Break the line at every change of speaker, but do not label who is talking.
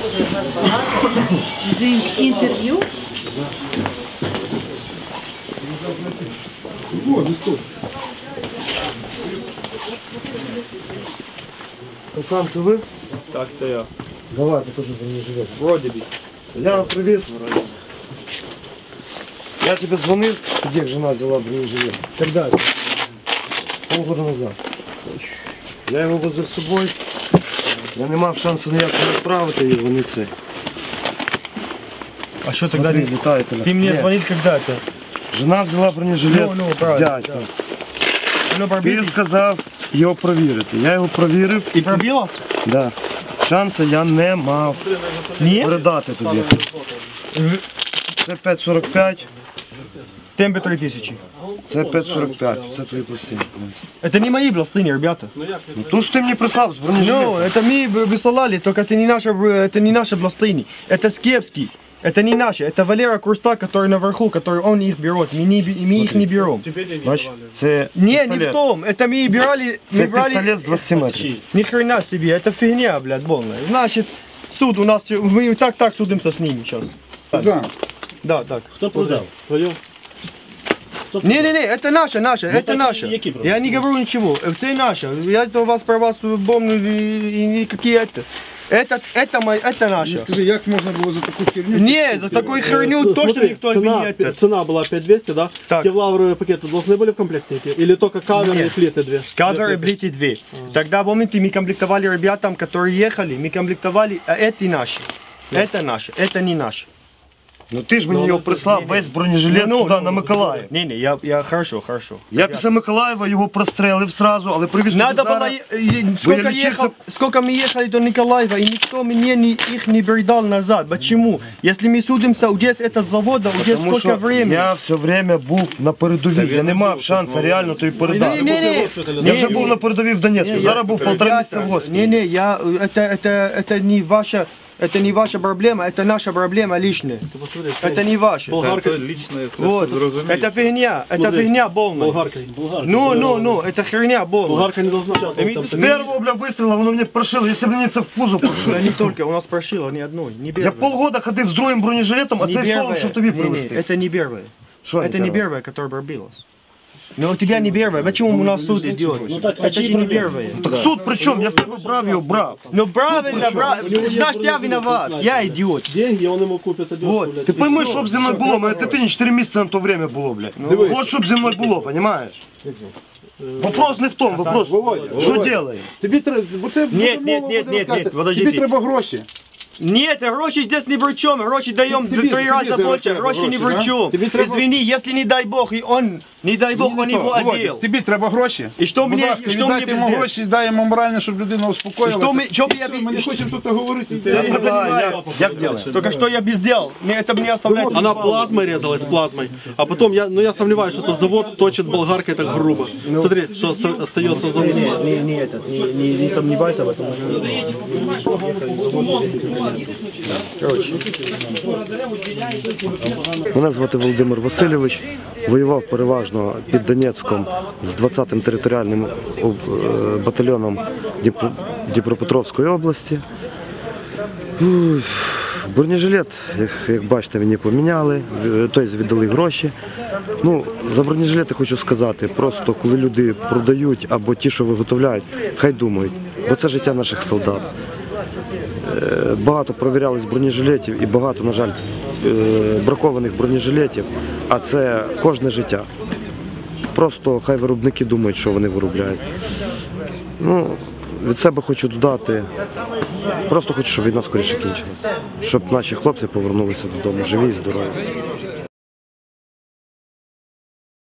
The interview.
Хасан, це ви?
Так, то я.
Давайте теж бронежилет.
Вроде бы.
Я привез. Я тебе звонил, где жена взяла бронежилет. Когда это? Полгода назад. Я його возив з собою. Я не мав шансу ніякого відправити і вони це.
А что
Смотри,
тогда?
літає.
Ты мне звонил когда-то.
Жена взяла бронежилет
Ну,
з
правильно,
дядька.
Ну,
Ти
пробили.
сказав його провірити. Я його провірив.
И пробило?
Да. Шансу я не мав
Нет?
передати тобі. Це 5,45,
Темпе 3000.
це 5,45. Це твої пластини.
Это не мои бластыни, ребята.
Ну то ж ти мені прислав з бронежилетом.
Ну, это мы высылали, только это не наши бластыни. Это Скепский. Это не наши, это Валера Курста, который наверху, который он их берет. Мы их не берем.
Бач, це
Не, не
пістолет.
в том. Это мы брали...
Це
Мы брали...
пістолет з 20 метрів.
Ни хрена себе, это фигня, блядь, полная. Значит, суд у нас, мы так судимся с ними сейчас.
За.
Да, так.
Хто продав? Твоє?
Не, это наше, это
так
наше.
які права?
Я не говорю ничего, это наше. Я это у вас про вас помню и никакие это. Это наше.
Скажи, як можна було за таку херню?
Не, за такую херню точно
Смотри,
никто
цена,
не это.
цена была 5200, да?
Так.
Кевларовые пакеты должны были в комплекте идти? Или только каверы и
Нет.
плиты две?
Каверы, блики, две. Тогда, помните, мы комплектовали ребятам, которые ехали, мы комплектовали, а это наши. Это наши, это не наши.
Ну ти ж мені його прислав весь бронежилет туди, на Миколаїв.
Не, я хорошо.
Я після Миколаєва його прострелив сразу, але привіз туди
Надо было,
зараз.
сколько мы ехали до Николаева, и никто мне их не передал назад. Почему? Если мы судимся, здесь этот завод, уже
Тому
сколько
що
времени.
я все время був на передовій, я не мав шансу реально тобі передати.
Не.
Я вже був на передовій в Донецьку, зараз був 1,5 місяця в госпіталі.
Не, это не ваша проблема, это наша проблема личная. Это не ваша.
Болгарка.
Вот. Это фигня полная.
Болгарка.
Ну, это херня полная.
Болгарка не должна участвовать.
З першого, бля, вистріла, воно мені прошило, якщо б мені це в кузов прошило.
Да не только, у нас прошило ни одной, не
Я
первое.
полгода ходив з другим бронежилетом, а
Не
цей
первое.
соло, щоб тобі
Не,
привезти.
это не первое.
Що
Это не первое, которое пробилось. Но у тебя не первое. Почему у нас суд идет? Это же не первое.
Так суд при чому? Я в тебе брав його, брав.
Ну правильно, значит я виноват. Я идиот.
Деньги, он ему купит одежку,
Вот.
блядь.
Ти пойми, що б зі мною було, мене дитині 4 місяці на то время було, блядь. От що б зі мною було, розумієш? Вопрос не в тому, вопрос,
Володя,
що
Володя.
робимо?
Тобі треба, бо це
Нет, подождите.
Тобі треба гроші.
Нет, гроши здесь не при чем. Гроши даем в
Тебе
3 раза
за
больше.
это
Гроши не
гроши,
при чем.
да? Тебе треба-
Извини, если не дай бог, и он, не дай бог, он его одел.
Тобі треба гроші.
І що
Будь
мені-
ласка,
що
віддайте
мені
йому
пиздець?
гроші, дай йому морально, щоб людина успокоїлася.
Що б
І
я
все,
бі-
Ми не хочемо тут говорити.
Я понимаю.
Як делаєш?
Только что я без дел. Мне это мне оставляет.
Она плазмой резалась, плазмой. А потом, я сомневаюсь, что завод точит болгаркой так грубо. Смотри, что остается за усом.
Не сомневайся в этом.
Мене звати Володимир Васильович, воював переважно під Донецьком з 20-м територіальним батальйоном Дніпропетровської області. Бронежилет, як бачите, мені поміняли, тобто віддали гроші. Ну, за бронежилети хочу сказати, просто коли люди продають або ті, що виготовляють, хай думають, бо це життя наших солдат. Багато провірялись бронежилетів і багато, на жаль, бракованих бронежилетів, а це кожне життя. Просто хай виробники думають, що вони виробляють. Ну, від себе хочу додати, просто хочу, щоб війна скоріше кінчилася, щоб наші хлопці повернулися додому живі і здорові.